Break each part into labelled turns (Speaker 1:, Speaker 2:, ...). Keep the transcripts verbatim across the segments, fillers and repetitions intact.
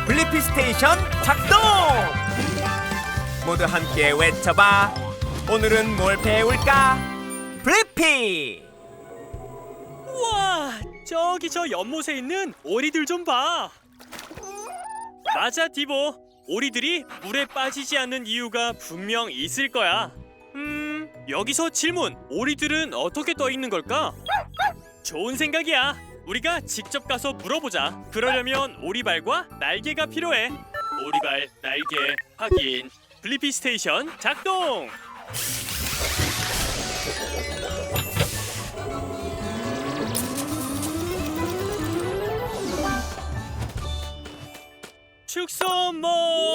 Speaker 1: 블리피 스테이션 작동! 모두 함께 외쳐봐. 오늘은 뭘 배울까? 블리피!
Speaker 2: 우와, 저기 저 연못에 있는 오리들 좀 봐. 맞아, 디보. 오리들이 물에 빠지지 않는 이유가 분명 있을 거야. 음, 여기서 질문. 오리들은 어떻게 떠 있는 걸까? 좋은 생각이야. 우리가 직접 가서 물어보자. 그러려면 오리발과 날개가 필요해. 오리발, 날개, 확인. 블리피 스테이션 작동! 축소 모!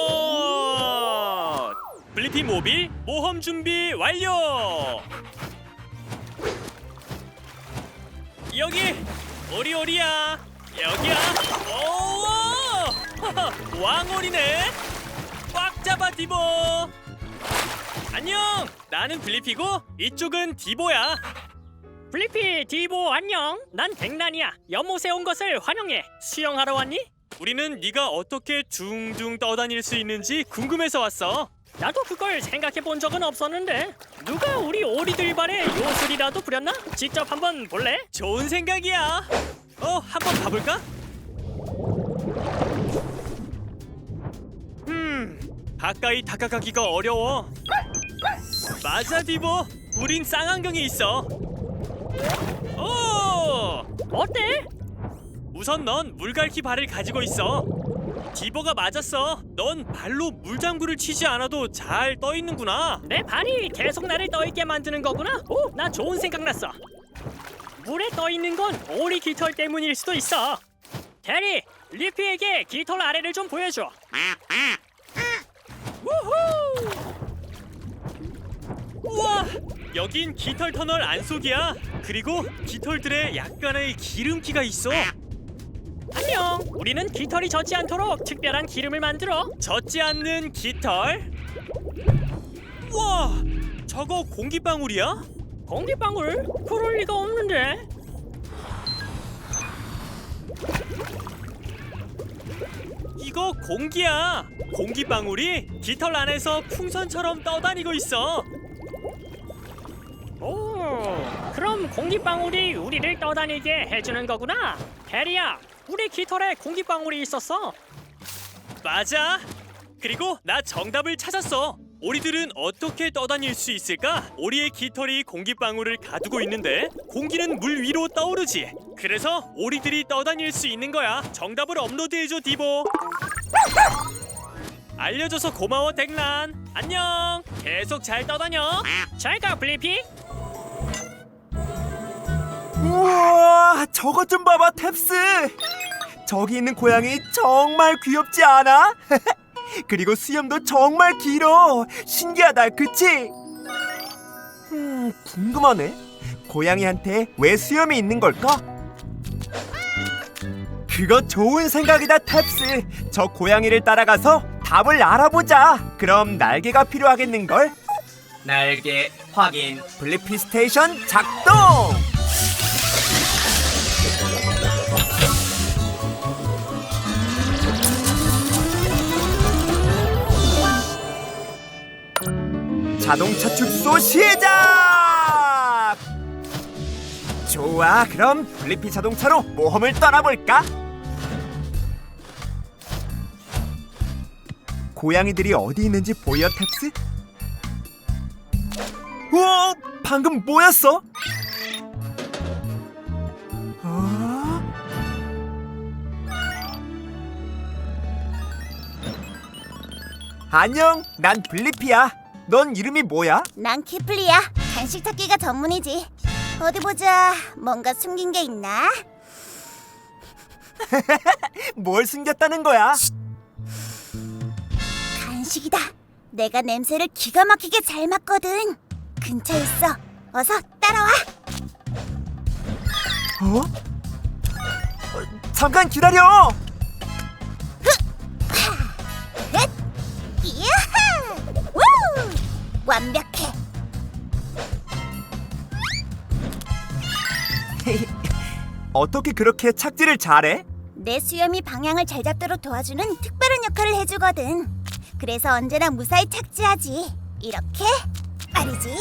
Speaker 2: 블리피 모빌 모험 준비 완료! 여기 오리오리야. 여기야. 오! 왕오리네. 꽉 잡아, 디보. 안녕. 나는 블리피고 이쪽은 디보야.
Speaker 3: 블리피, 디보 안녕. 난 백난이야. 연못에 온 것을 환영해. 수영하러 왔니?
Speaker 2: 우리는 네가 어떻게 둥둥 떠다닐 수 있는지 궁금해서 왔어.
Speaker 3: 나도 그걸 생각해 본 적은 없었는데 누가 우리 오리들 발에 요술이라도 부렸나? 직접 한번 볼래?
Speaker 2: 좋은 생각이야. 어, 한번 가볼까? 음, 가까이 다가가기가 어려워. 맞아, 디보. 우린 쌍안경에 있어. 오!
Speaker 3: 어때?
Speaker 2: 우선 넌 물갈퀴 발을 가지고 있어. 디보가 맞았어. 넌 발로 물장구를 치지 않아도 잘 떠 있는구나.
Speaker 3: 내 발이 계속 나를 떠있게 만드는 거구나. 오, 나 좋은 생각 났어. 물에 떠 있는 건 오리 깃털 때문일 수도 있어. 대리, 리피에게 깃털 아래를 좀 보여줘. 우후!
Speaker 2: 우와! 여긴 깃털 터널 안속이야. 그리고 깃털들에 약간의 기름기가 있어.
Speaker 3: 안녕. 우리는 깃털이 젖지 않도록 특별한 기름을 만들어.
Speaker 2: 젖지 않는 깃털. 우와! 저거 공기방울이야?
Speaker 3: 공기방울? 그럴 리가 없는데.
Speaker 2: 이거 공기야. 공기방울이 깃털 안에서 풍선처럼 떠다니고 있어.
Speaker 3: 오, 그럼 공기방울이 우리를 떠다니게 해주는 거구나. 대리야, 우리 깃털에 공기방울이 있었어.
Speaker 2: 맞아. 그리고 나 정답을 찾았어. 오리들은 어떻게 떠다닐 수 있을까? 오리의 깃털이 공기방울을 가두고 있는데 공기는 물 위로 떠오르지. 그래서 오리들이 떠다닐 수 있는 거야. 정답을 업로드해줘, 디보. 알려줘서 고마워, 덱란. 안녕. 계속 잘 떠다녀.
Speaker 3: 잘 가, 블리피.
Speaker 1: 우와, 저것 좀 봐봐, 탭스. 저기 있는 고양이 정말 귀엽지 않아? 그리고 수염도 정말 길어. 신기하다, 그치? 음, 궁금하네. 고양이한테 왜 수염이 있는 걸까? 그거 좋은 생각이다, 탭스. 저 고양이를 따라가서 답을 알아보자. 그럼 날개가 필요하겠는걸? 날개 확인. 블리피 스테이션 작동! 자동차 축소 시작! 좋아, 그럼 블리피 자동차로 모험을 떠나볼까? 고양이들이 어디 있는지 보여, 탭스? 우와, 방금 뭐였어? 어? 안녕, 난 블리피야. 넌 이름이 뭐야?
Speaker 4: 난 키플리야. 간식 찾기가 전문이지. 어디 보자. 뭔가 숨긴 게 있나?
Speaker 1: 뭘 숨겼다는 거야?
Speaker 4: 간식이다. 내가 냄새를 기가 막히게 잘 맡거든. 근처에 있어. 어서 따라와.
Speaker 1: 어? 어, 잠깐 기다려.
Speaker 4: 헷! 이야하! 우! 완벽해.
Speaker 1: 어떻게 그렇게 착지를 잘해?
Speaker 4: 내 수염이 방향을 잘 잡도록 도와주는 특별한 역할을 해주거든. 그래서 언제나 무사히 착지하지. 이렇게 말이지.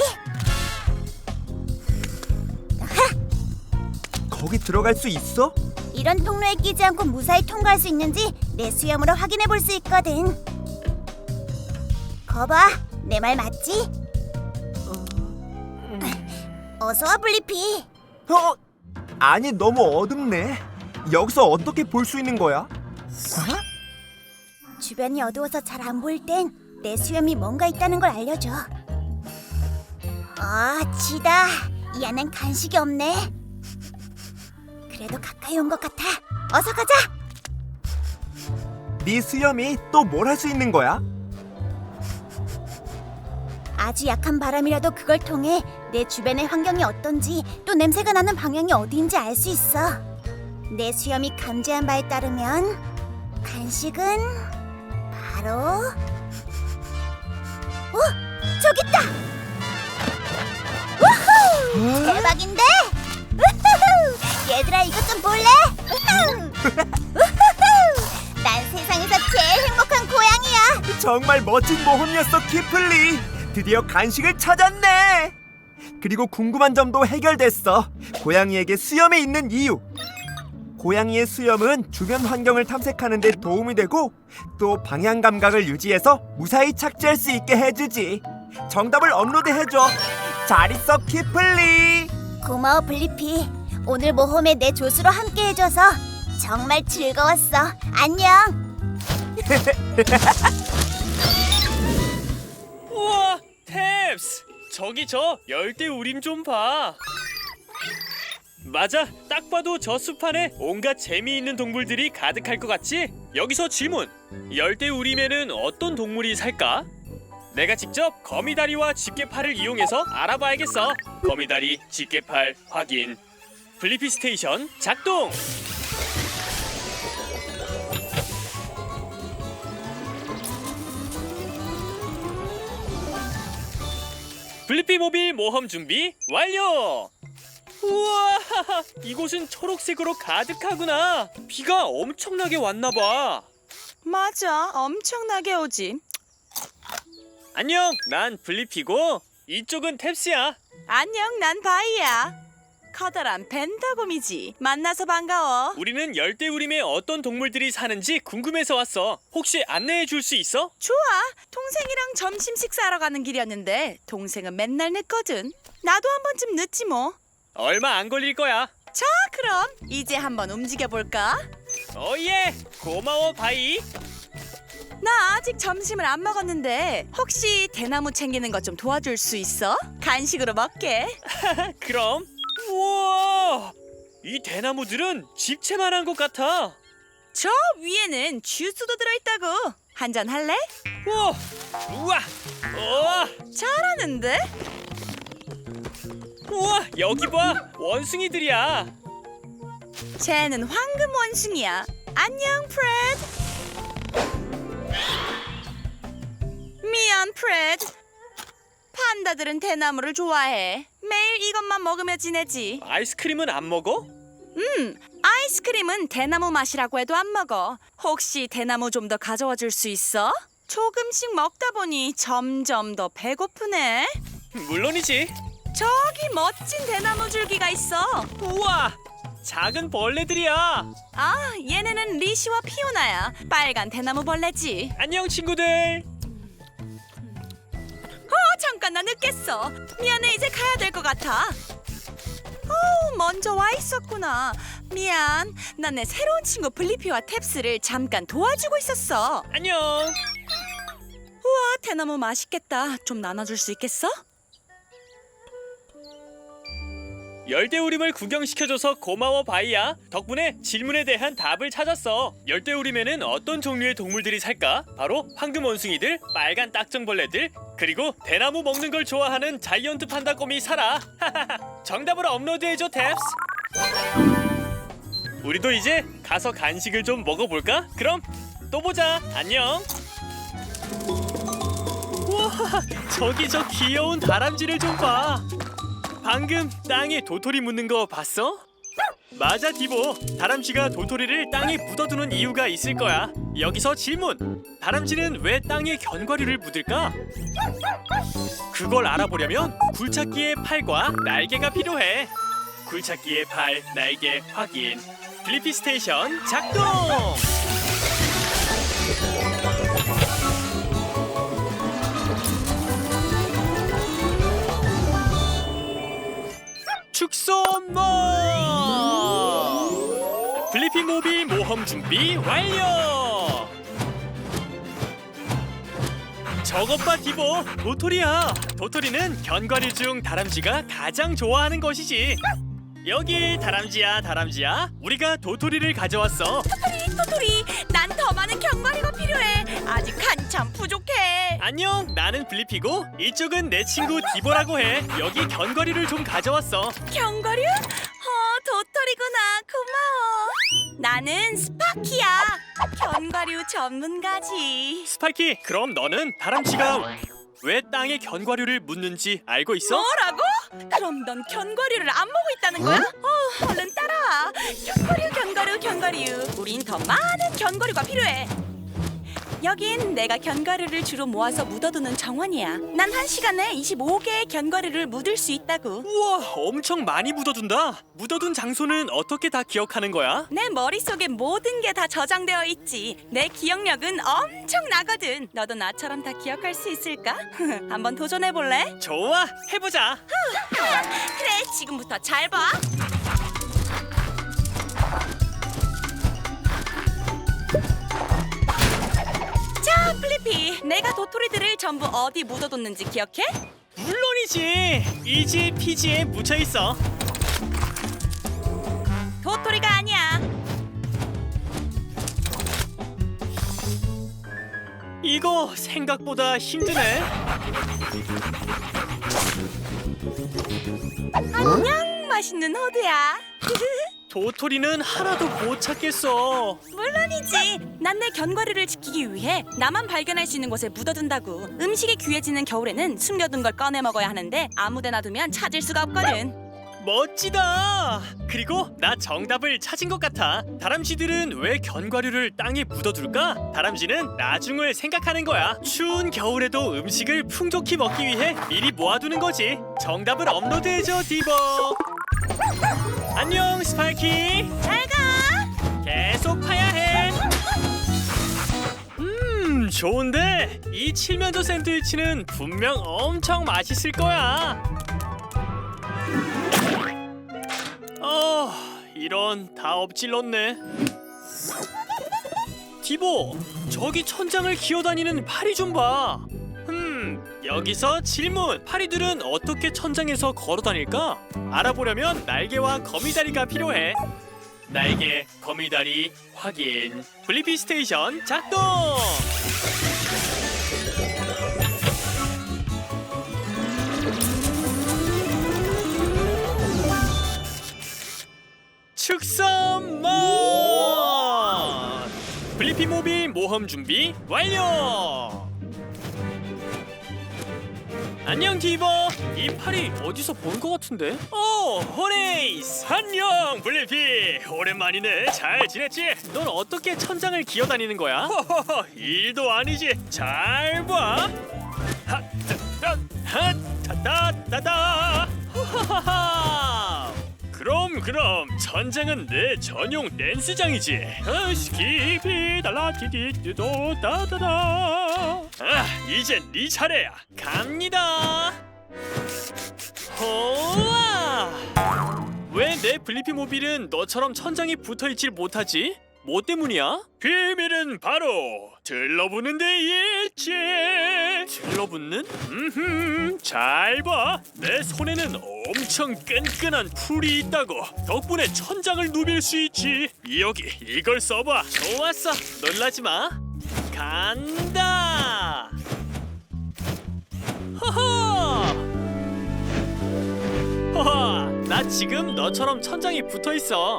Speaker 1: 거기 들어갈 수 있어?
Speaker 4: 이런 통로에 끼지 않고 무사히 통과할 수 있는지 내 수염으로 확인해 볼 수 있거든. 거봐, 내 말 맞지? 어서 와, 블리피.
Speaker 1: 어? 아니, 너무 어둡네. 여기서 어떻게 볼 수 있는 거야?
Speaker 4: 주변이 어두워서 잘 안 보일 땐 내 수염이 뭔가 있다는 걸 알려줘. 아, 지다. 이 안엔 간식이 없네. 그래도 가까이 온 것 같아. 어서 가자.
Speaker 1: 네 수염이 또 뭘 할 수 있는 거야?
Speaker 4: 아주 약한 바람이라도 그걸 통해 내 주변의 환경이 어떤지 또 냄새가 나는 방향이 어디인지 알 수 있어. 내 수염이 감지한 바에 따르면 간식은 바로 어? 저기 있다! 우후! 대박인데? 우후후! 얘들아 이것 좀 볼래? 우후! 우후후! 난 세상에서 제일 행복한 고양이야.
Speaker 1: 정말 멋진 모험이었어, 키플리. 드디어 간식을 찾았네. 그리고 궁금한 점도 해결됐어. 고양이에게 수염이 있는 이유. 고양이의 수염은 주변 환경을 탐색하는 데 도움이 되고 또 방향 감각을 유지해서 무사히 착지할 수 있게 해주지. 정답을 업로드해줘. 잘 있어, 키플리.
Speaker 4: 고마워 블리피. 오늘 모험에 내 조수로 함께 해줘서 정말 즐거웠어. 안녕.
Speaker 2: 우와, 탭스! 저기 저 열대우림 좀 봐. 맞아, 딱 봐도 저 숲 안에 온갖 재미있는 동물들이 가득할 것 같지? 여기서 질문! 열대우림에는 어떤 동물이 살까? 내가 직접 거미다리와 집게팔을 이용해서 알아봐야겠어. 거미다리, 집게팔 확인. 블리피 스테이션 작동! 블리피 모빌 모험 준비 완료! 우와, 이곳은 초록색으로 가득하구나. 비가 엄청나게 왔나봐.
Speaker 5: 맞아, 엄청나게 오지.
Speaker 2: 안녕, 난 블리피고 이쪽은 탭스야.
Speaker 5: 안녕, 난 바이야. 커다란 벤더곰이지. 만나서 반가워.
Speaker 2: 우리는 열대우림에 어떤 동물들이 사는지 궁금해서 왔어. 혹시 안내해 줄 수 있어?
Speaker 5: 좋아, 동생이랑 점심 식사하러 가는 길이었는데 동생은 맨날 늦거든. 나도 한 번쯤 늦지 뭐.
Speaker 2: 얼마 안 걸릴 거야.
Speaker 5: 자, 그럼 이제 한번 움직여볼까?
Speaker 2: 오예, 고마워 바이.
Speaker 5: 나 아직 점심을 안 먹었는데 혹시 대나무 챙기는 것 좀 도와줄 수 있어? 간식으로 먹게.
Speaker 2: 그럼. 우와, 이 대나무들은 집채만한 것 같아.
Speaker 5: 저 위에는 주스도 들어있다고. 한잔 할래?
Speaker 2: 우와, 우와, 우와,
Speaker 5: 잘하는데?
Speaker 2: 우와, 여기 봐, 원숭이들이야.
Speaker 5: 쟤는 황금 원숭이야. 안녕, 프레드. 미안, 프레드. 판다들은 대나무를 좋아해. 매일 이것만 먹으며 지내지.
Speaker 2: 아이스크림은 안 먹어?
Speaker 5: 음, 아이스크림은 대나무 맛이라고 해도 안 먹어. 혹시 대나무 좀 더 가져와 줄 수 있어? 조금씩 먹다 보니 점점 더 배고프네.
Speaker 2: 물론이지.
Speaker 5: 저기 멋진 대나무 줄기가 있어.
Speaker 2: 우와, 작은 벌레들이야.
Speaker 5: 아, 얘네는 리시와 피오나야. 빨간 대나무 벌레지.
Speaker 2: 안녕 친구들.
Speaker 5: 어, 잠깐 나 늦겠어. 미안해, 이제 가야 될 것 같아. 어, 먼저 와 있었구나. 미안. 난 내 새로운 친구 블리피와 탭스를 잠깐 도와주고 있었어.
Speaker 2: 안녕.
Speaker 5: 우와, 대나무 맛있겠다. 좀 나눠줄 수 있겠어?
Speaker 2: 열대우림을 구경시켜줘서 고마워 바이야. 덕분에 질문에 대한 답을 찾았어. 열대우림에는 어떤 종류의 동물들이 살까? 바로 황금 원숭이들, 빨간 딱정벌레들, 그리고 대나무 먹는 걸 좋아하는 자이언트 판다곰이 살아. 정답을 업로드해줘 탭스. 우리도 이제 가서 간식을 좀 먹어볼까? 그럼 또 보자. 안녕. 우와, 저기 저 귀여운 다람쥐를 좀 봐. 방금 땅에 도토리 묻는 거 봤어? 맞아 디보. 다람쥐가 도토리를 땅에 묻어두는 이유가 있을 거야. 여기서 질문. 다람쥐는 왜 땅에 견과류를 묻을까? 그걸 알아보려면 굴착기의 팔과 날개가 필요해. 굴착기의 팔, 날개 확인. 블리피 스테이션 작동! 축소모! 블리피 모빌 모험 준비 완료! 저것 봐 디보, 도토리야. 도토리는 견과류 중 다람쥐가 가장 좋아하는 것이지. 여기 다람쥐야 다람쥐야, 우리가 도토리를 가져왔어.
Speaker 5: 토토리 토토리, 난 더 많은 견과류가 필요해. 아직 한참 부족해.
Speaker 2: 안녕, 나는 블리피고 이쪽은 내 친구 디보라고 해. 여기 견과류를 좀 가져왔어.
Speaker 5: 견과류? 어, 도토리구나. 고마워. 나는 스파키야. 견과류 전문가지.
Speaker 2: 스파이키, 그럼 너는 다람쥐가 왜 땅에 견과류를 묻는지 알고 있어?
Speaker 5: 뭐라고? 그럼 넌 견과류를 안 먹고 있다는 거야? 어, 얼른 따라와. 견과류, 견과류, 견과류. 우린 더 많은 견과류가 필요해. 여긴 내가 견과류를 주로 모아서 묻어두는 정원이야. 난 한 시간에 이십오 개의 견과류를 묻을 수 있다고.
Speaker 2: 우와, 엄청 많이 묻어둔다. 묻어둔 장소는 어떻게 다 기억하는 거야?
Speaker 5: 내 머릿속에 모든 게 다 저장되어 있지. 내 기억력은 엄청나거든. 너도 나처럼 다 기억할 수 있을까? 한번 도전해볼래?
Speaker 2: 좋아, 해보자.
Speaker 5: 그래, 지금부터 잘 봐. 자, 플리피, 내가 도토리들을 전부 어디 묻어뒀는지 기억해?
Speaker 2: 물론이지. 이지 피지에 묻혀 있어.
Speaker 5: 도토리가 아니야.
Speaker 2: 이거 생각보다 힘드네.
Speaker 5: 안녕, 맛있는 호두야.
Speaker 2: 도토리는 하나도 못 찾겠어.
Speaker 5: 물론이지. 난 내 견과류를 지키기 위해 나만 발견할 수 있는 곳에 묻어둔다고. 음식이 귀해지는 겨울에는 숨겨둔 걸 꺼내 먹어야 하는데 아무데나 두면 찾을 수가 없거든.
Speaker 2: 멋지다. 그리고 나 정답을 찾은 것 같아. 다람쥐들은 왜 견과류를 땅에 묻어둘까? 다람쥐는 나중을 생각하는 거야. 추운 겨울에도 음식을 풍족히 먹기 위해 미리 모아두는 거지. 정답을 업로드해줘 디보. 안녕 스파이키.
Speaker 5: 잘 가.
Speaker 2: 계속 파야 해. 음, 좋은데 이 칠면조 샌드위치는 분명 엄청 맛있을 거야. 어, 이런, 다 엎질렀네. 디보, 저기 천장을 기어다니는 파리 좀 봐. 음, 여기서 질문. 파리들은 어떻게 천장에서 걸어다닐까? 알아보려면 날개와 거미다리가 필요해. 날개, 거미다리 확인. 블리피 스테이션 작동! 축선몬! 블리피 모빌 모험 준비 완료! 안녕 디보. 이 팔이 어디서 본 것 같은데? 오, 호네이스. 안녕 블리피. 오랜만이네. 잘 지냈지? 넌 어떻게 천장을 기어다니는 거야? 호호호, 일도 아니지. 잘 봐. 하따따따따따. 호하하하. 그럼 그럼 천장은 내 전용 댄스장이지. 스키피 달라티디도 따다다. 아, 이젠 네 차례야. 갑니다. 호와. 왜 내 블리피 모빌은 너처럼 천장에 붙어있질 못하지? 뭐 때문이야? 비밀은 바로 들러붙는 데 있지. 들러붙는? 음흠, 잘 봐. 내 손에는 엄청 끈끈한 풀이 있다고. 덕분에 천장을 누빌 수 있지. 여기 이걸 써봐. 좋았어. 놀라지 마. 간다. 허허. 허허. 나 지금 너처럼 천장에 붙어 있어.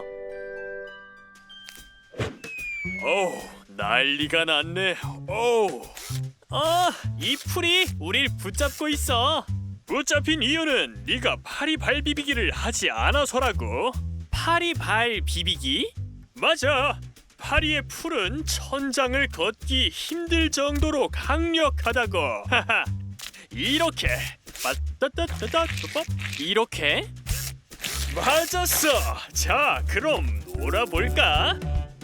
Speaker 2: 어우, 난리가 났네. 어우. 아, 이 풀이 우릴 붙잡고 있어. 붙잡힌 이유는 네가 파리 발 비비기를 하지 않아서라고. 파리 발 비비기? 맞아. 파리의 풀은 천장을 걷기 힘들 정도로 강력하다고. 하하. 이렇게 빠따따따따 이렇게 맞았어. 자, 그럼 놀아볼까?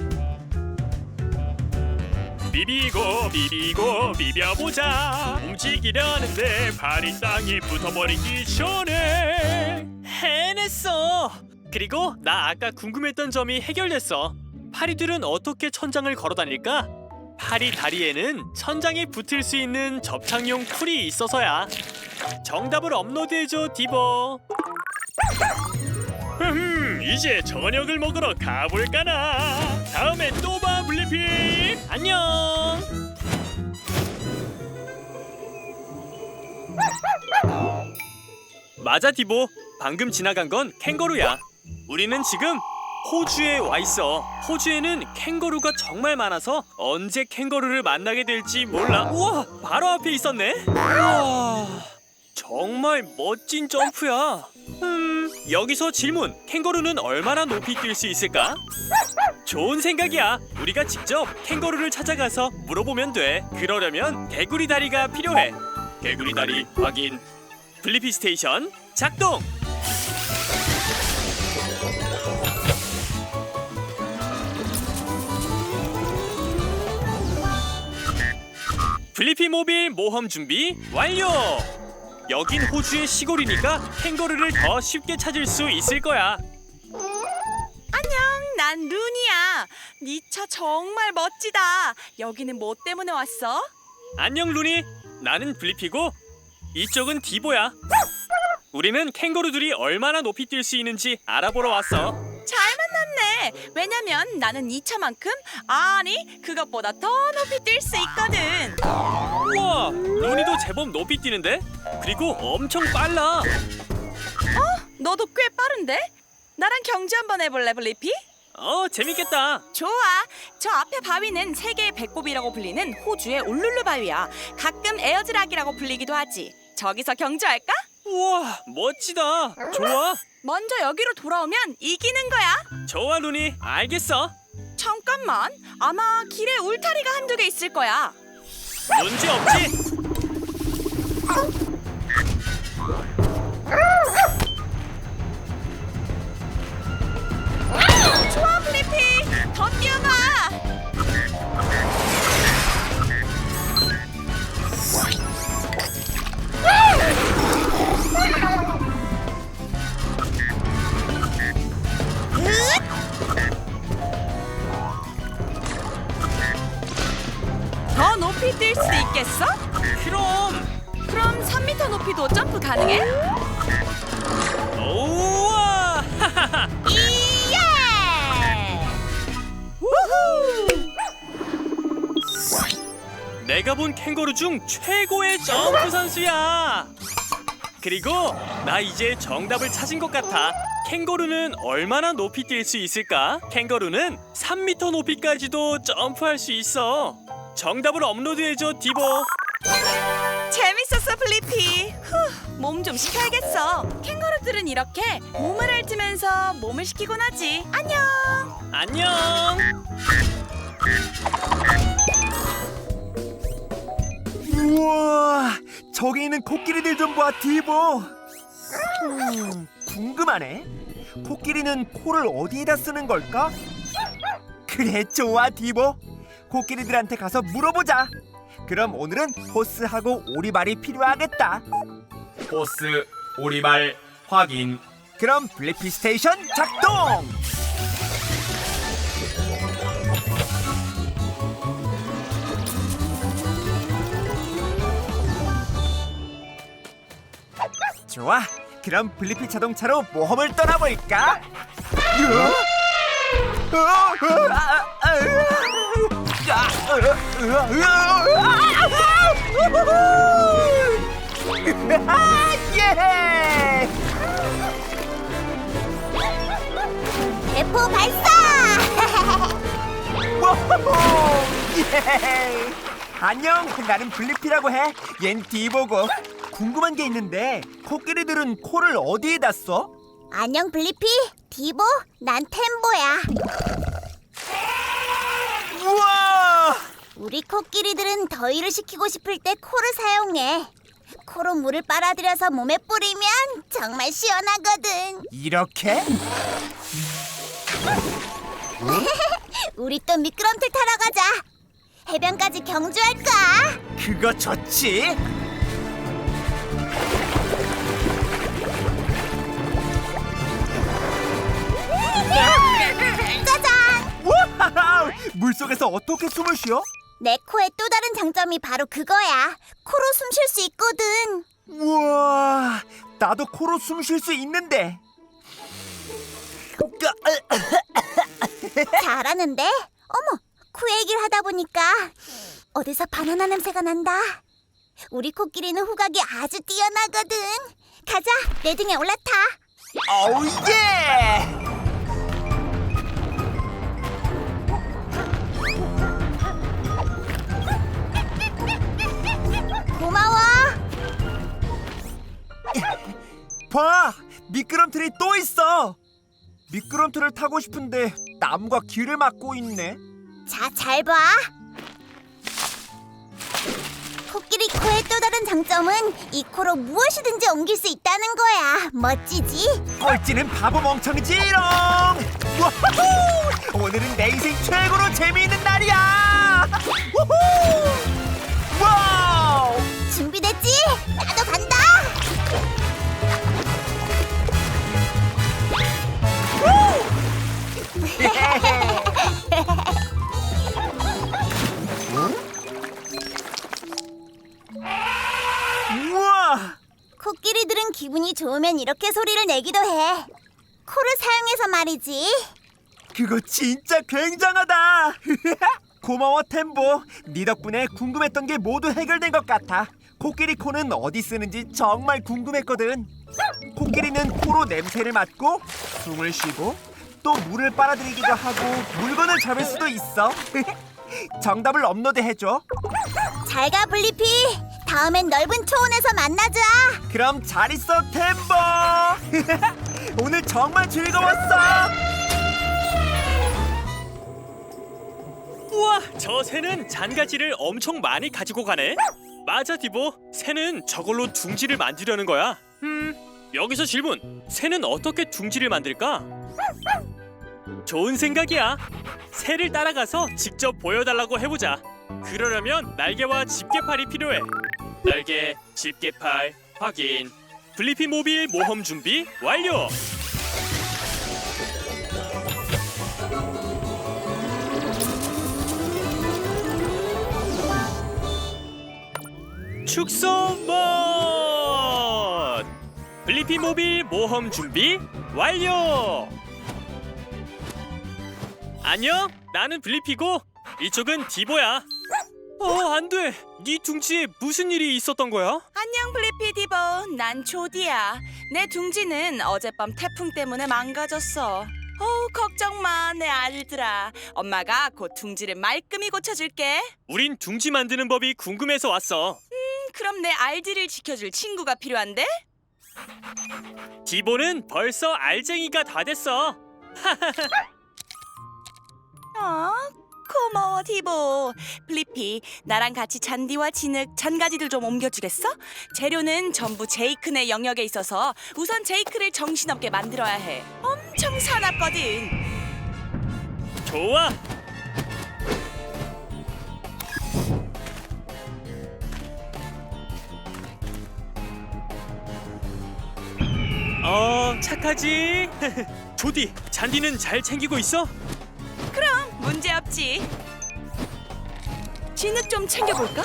Speaker 2: 비비고 비비고 비벼보자. 움직이려는데 발이 땅에 붙어버리기 전에 해냈어. 그리고 나 아까 궁금했던 점이 해결됐어. 파리들은 어떻게 천장을 걸어다닐까? 파리 다리에는 천장에 붙을 수 있는 접착용 풀이 있어서야. 정답을 업로드해줘, 디보. 흠, 이제 저녁을 먹으러 가볼까나. 다음에 또 봐, 블리피. 안녕. 맞아, 디보. 방금 지나간 건 캥거루야. 우리는 지금 호주에 와 있어. 호주에는 캥거루가 정말 많아서 언제 캥거루를 만나게 될지 몰라. 우와, 바로 앞에 있었네. 우와, 정말 멋진 점프야. 음, 여기서 질문. 캥거루는 얼마나 높이 뛸 수 있을까? 좋은 생각이야. 우리가 직접 캥거루를 찾아가서 물어보면 돼. 그러려면 개구리 다리가 필요해. 개구리 다리 확인. 블리피 스테이션 작동. 블리피 모빌 모험 준비 완료! 여긴 호주의 시골이니까 캥거루를 더 쉽게 찾을 수 있을 거야.
Speaker 5: 안녕, 난 루니야. 네 차 정말 멋지다. 여기는 뭐 때문에 왔어?
Speaker 2: 안녕 루니, 나는 블리피고 이쪽은 디보야. 우리는 캥거루들이 얼마나 높이 뛸 수 있는지 알아보러 왔어.
Speaker 5: 잘 만났네. 왜냐면 나는 네 차만큼, 아니 그것보다 더 높이 뛸 수 있거든.
Speaker 2: 우와, 루니도 제법 높이 뛰는데? 그리고 엄청 빨라.
Speaker 5: 너도 꽤 빠른데? 나랑 경주 한번 해볼래, 블리피?
Speaker 2: 어, 재밌겠다.
Speaker 5: 좋아. 저 앞에 바위는 세계의 배꼽이라고 불리는 호주의 울룰루 바위야. 가끔 에어즈락이라고 불리기도 하지. 저기서 경주할까?
Speaker 2: 우와, 멋지다. 좋아.
Speaker 5: 먼저 여기로 돌아오면 이기는 거야.
Speaker 2: 좋아 루니, 알겠어.
Speaker 5: 잠깐만. 아마 길에 울타리가 한두 개 있을 거야.
Speaker 2: 문제 없지?
Speaker 5: 좋아, 블리피. 더 뛰어봐. 더 높이 뛸 수 있겠어?
Speaker 2: 그럼.
Speaker 5: 그럼 삼 미터 높이도 점프 가능해?
Speaker 2: 우와.
Speaker 5: 이예! 우후!
Speaker 2: 내가 본 캥거루 중 최고의 점프 선수야. 그리고 나 이제 정답을 찾은 것 같아. 캥거루는 얼마나 높이 뛸 수 있을까? 캥거루는 삼 미터 높이까지도 점프할 수 있어. 정답을 업로드해줘, 디보.
Speaker 5: 재밌었어, 블리피. 몸 좀 식혀야겠어. 캥거루들은 이렇게 몸을 핥으면서 몸을 식히곤 하지. 안녕.
Speaker 2: 안녕.
Speaker 1: 우와, 저기 있는 코끼리들 좀 봐, 디보. 음, 궁금하네. 코끼리는 코를 어디에다 쓰는 걸까? 그래, 좋아, 디보. 코끼리들한테 가서 물어보자. 그럼 오늘은 호스하고 오리발이 필요하겠다. 호스, 오리발 확인. 그럼 블리피 스테이션 작동! 좋아, 그럼 블리피 자동차로 모험을 떠나볼까? 예!
Speaker 4: 대포 발사!
Speaker 1: 워호호! 예! 안녕, 나는 블리피라고 해. 얜 디보고. 궁금한 게 있는데 코끼리들은 코를 어디에다 써?
Speaker 4: 안녕 블리피, 디보, 난 템보야.
Speaker 1: 우와!
Speaker 4: 우리 코끼리들은 더위를 식히고 싶을 때 코를 사용해. 코로 물을 빨아들여서 몸에 뿌리면 정말 시원하거든.
Speaker 1: 이렇게?
Speaker 4: 우리 또 미끄럼틀 타러 가자. 해변까지 경주할까?
Speaker 1: 그거 좋지?
Speaker 4: 짜잔!
Speaker 1: 우와! 물속에서 어떻게 숨을 쉬어?
Speaker 4: 내 코의 또 다른 장점이 바로 그거야. 코로 숨 쉴 수 있거든.
Speaker 1: 우와! 나도 코로 숨 쉴 수 있는데.
Speaker 4: 잘하는데? 어머, 코 얘기를 하다 보니까 어디서 바나나 냄새가 난다. 우리 코끼리는 후각이 아주 뛰어나거든. 가자, 내 등에 올라타.
Speaker 1: 어우 예!
Speaker 4: 고마워.
Speaker 1: 봐! 미끄럼틀이 또 있어! 미끄럼틀을 타고 싶은데 나무가 길을 막고 있네.
Speaker 4: 자, 잘 봐. 코끼리 코의 또 다른 장점은 이 코로 무엇이든지 옮길 수 있다는 거야. 멋지지?
Speaker 1: 꼴찌는 바보 멍청이지롱! 우후! 오늘은 내 인생 최고로 재미있는 날이야! 우후! 와우!
Speaker 4: 준비됐지? 나도 간다.
Speaker 1: 우와!
Speaker 4: 코끼리들은 기분이 좋으면 이렇게 소리를 내기도 해. 코를 사용해서 말이지.
Speaker 1: 그거 진짜 굉장하다! 고마워 템보. 네 덕분에 궁금했던 게 모두 해결된 것 같아. 코끼리 코는 어디 쓰는지 정말 궁금했거든. 코끼리는 코로 냄새를 맡고 숨을 쉬고 또 물을 빨아들이기도 하고 물건을 잡을 수도 있어. 정답을 업로드해줘.
Speaker 4: 잘 가 블리피. 다음엔 넓은 초원에서 만나자.
Speaker 1: 그럼 잘 있어 템보. 오늘 정말 즐거웠어.
Speaker 2: 우와, 저 새는 잔가지를 엄청 많이 가지고 가네. 맞아, 디보. 새는 저걸로 둥지를 만들려는 거야. 음, 여기서 질문. 새는 어떻게 둥지를 만들까? 좋은 생각이야. 새를 따라가서 직접 보여달라고 해보자. 그러려면 날개와 집게팔이 필요해. 날개, 집게팔, 확인. 블리피 모빌 모험 준비 완료. 축소 mod! 블리피 모빌 모험 준비 완료! 안녕, 나는 블리피고 이쪽은 디보야. 어, 안 돼. 네 둥지에 무슨 일이 있었던 거야?
Speaker 5: 안녕 블리피 디보. 난 조디야. 내 둥지는 어젯밤 태풍 때문에 망가졌어. 어우, 걱정 마, 내 아들들아. 엄마가 곧 둥지를 말끔히 고쳐줄게.
Speaker 2: 우린 둥지 만드는 법이 궁금해서 왔어.
Speaker 5: 음, 그럼 내 알들을 지켜줄 친구가 필요한데?
Speaker 2: 디보는 벌써 알쟁이가 다 됐어.
Speaker 5: 어, 고마워 디보. 블리피, 나랑 같이 잔디와 진흙, 잔가지들 좀 옮겨주겠어? 재료는 전부 제이크네 영역에 있어서 우선 제이크를 정신없게 만들어야 해. 엄청 사납거든.
Speaker 2: 좋아. 어, 착하지? 조디, 잔디는 잘 챙기고 있어?
Speaker 5: 그럼 문제없지. 진흙 좀 챙겨볼까?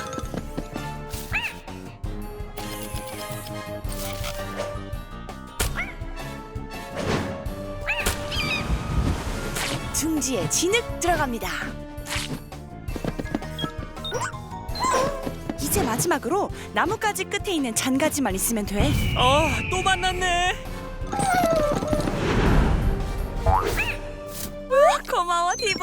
Speaker 5: 둥지에 진흙 들어갑니다. 이제 마지막으로 나뭇가지 끝에 있는 잔가지만 있으면 돼.
Speaker 2: 어, 또 만났네.
Speaker 5: 고마워 디보.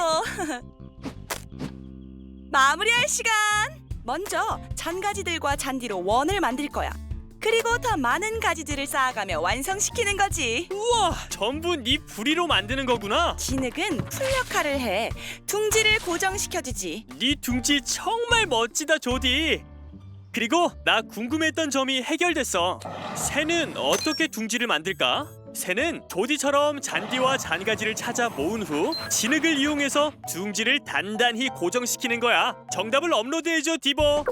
Speaker 5: 마무리할 시간. 먼저 잔가지들과 잔디로 원을 만들 거야. 그리고 더 많은 가지들을 쌓아가며 완성시키는 거지.
Speaker 2: 우와, 전부 네 부리로 만드는 거구나.
Speaker 5: 진흙은 풀 역할을 해. 둥지를 고정시켜주지.
Speaker 2: 네 둥지 정말 멋지다, 조디. 그리고 나 궁금했던 점이 해결됐어. 새는 어떻게 둥지를 만들까? 새는 조디처럼 잔디와 잔가지를 찾아 모은 후 진흙을 이용해서 둥지를 단단히 고정시키는 거야. 정답을 업로드해줘, 디보.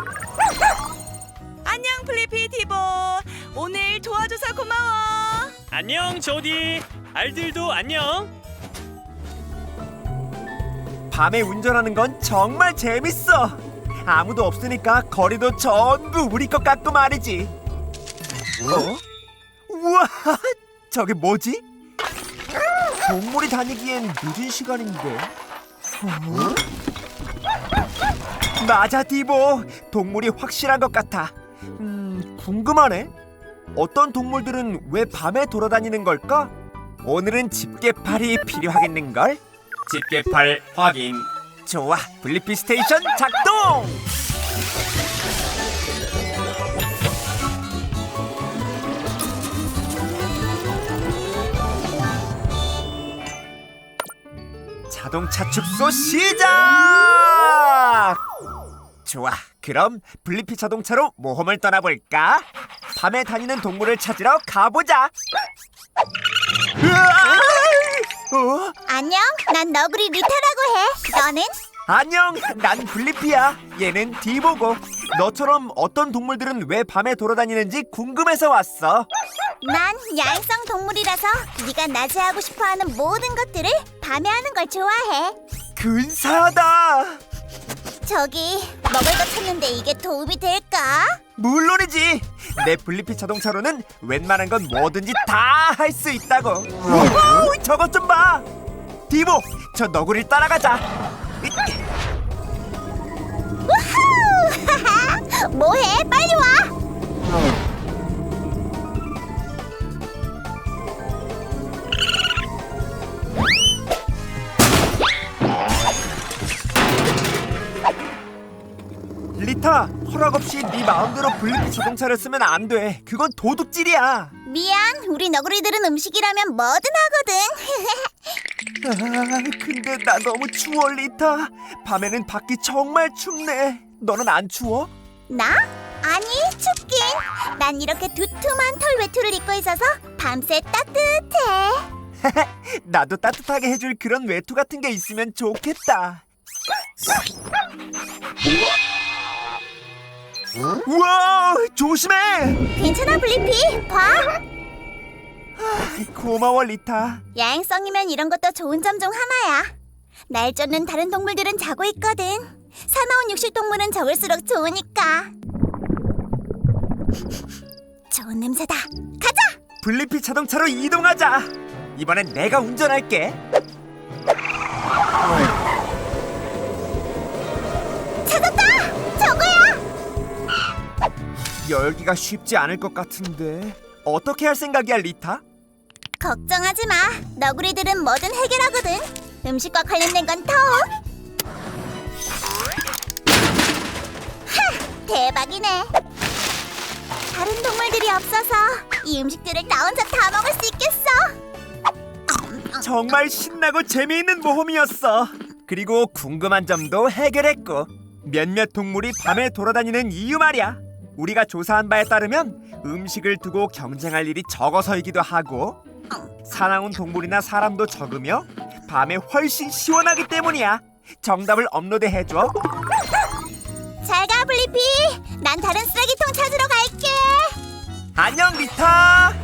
Speaker 5: 안녕 플리피 디보. 오늘 도와줘서 고마워.
Speaker 2: 안녕, 조디. 알들도 안녕.
Speaker 1: 밤에 운전하는 건 정말 재밌어. 아무도 없으니까 거리도 전부 우리 것 같고 말이지. 어? 우와, 저게 뭐지? 동물이 다니기엔 늦은 시간인데. 어? 맞아, 디보. 동물이 확실한 것 같아. 음, 궁금하네. 어떤 동물들은 왜 밤에 돌아다니는 걸까? 오늘은 집게팔이 필요하겠는걸? 집게팔 확인. 좋아, 블리피 스테이션 작동! 자동차 축소 시작! 좋아, 그럼 블리피 자동차로 모험을 떠나볼까? 밤에 다니는 동물을 찾으러 가보자! 으아! 어?
Speaker 4: 안녕, 난 너구리 리타라고 해. 너는?
Speaker 1: 안녕, 난 블리피야. 얘는 디보고. 너처럼 어떤 동물들은 왜 밤에 돌아다니는지 궁금해서 왔어.
Speaker 4: 난 야행성 동물이라서 네가 낮에 하고 싶어하는 모든 것들을 밤에 하는 걸 좋아해.
Speaker 1: 근사하다.
Speaker 4: 저기, 먹을 거 찾는데 이게 도움이 될까?
Speaker 1: 물론이지. 내 블리피 자동차로는 웬만한 건 뭐든지 다 할 수 있다고. 우와, 저것 좀 봐. 디보, 저 너구리를 따라가자.
Speaker 4: 우후! 하하! 뭐해? 빨리 와!
Speaker 1: 리타, 허락 없이 네 마음대로 블리피 자동차를 쓰면 안 돼. 그건 도둑질이야.
Speaker 4: 미안, 우리 너구리들은 음식이라면 뭐든 하거든.
Speaker 1: 아, 근데 나 너무 추워, 리타. 밤에는 밖이 정말 춥네. 너는 안 추워?
Speaker 4: 나? 아니, 춥긴. 난 이렇게 두툼한 털 외투를 입고 있어서 밤새 따뜻해.
Speaker 1: 나도 따뜻하게 해줄 그런 외투 같은 게 있으면 좋겠다. 우와, 조심해.
Speaker 4: 괜찮아, 블리피. 봐.
Speaker 1: 고마워, 리타.
Speaker 4: 야행성이면 이런 것도 좋은 점 중 하나야. 날 쫓는 다른 동물들은 자고 있거든. 사나운 육식 동물은 적을수록 좋으니까. 좋은 냄새다. 가자.
Speaker 1: 블리피 자동차로 이동하자. 이번엔 내가 운전할게.
Speaker 4: 찾았다. 저거야.
Speaker 1: 열기가 쉽지 않을 것 같은데 어떻게 할 생각이야, 리타?
Speaker 4: 걱정하지 마. 너구리들은 뭐든 해결하거든. 음식과 관련된 건 더욱. 하! 대박이네. 다른 동물들이 없어서 이 음식들을 나 혼자 다 먹을 수 있겠어.
Speaker 1: 정말 신나고 재미있는 모험이었어. 그리고 궁금한 점도 해결했고 몇몇 동물이 밤에 돌아다니는 이유 말이야. 우리가 조사한 바에 따르면 음식을 두고 경쟁할 일이 적어서이기도 하고 사나운 동물이나 사람도 적으며 밤에 훨씬 시원하기 때문이야. 정답을 업로드해줘.
Speaker 4: 잘 가, 블리피. 난 다른 쓰레기통 찾으러 갈게.
Speaker 1: 안녕, 리타.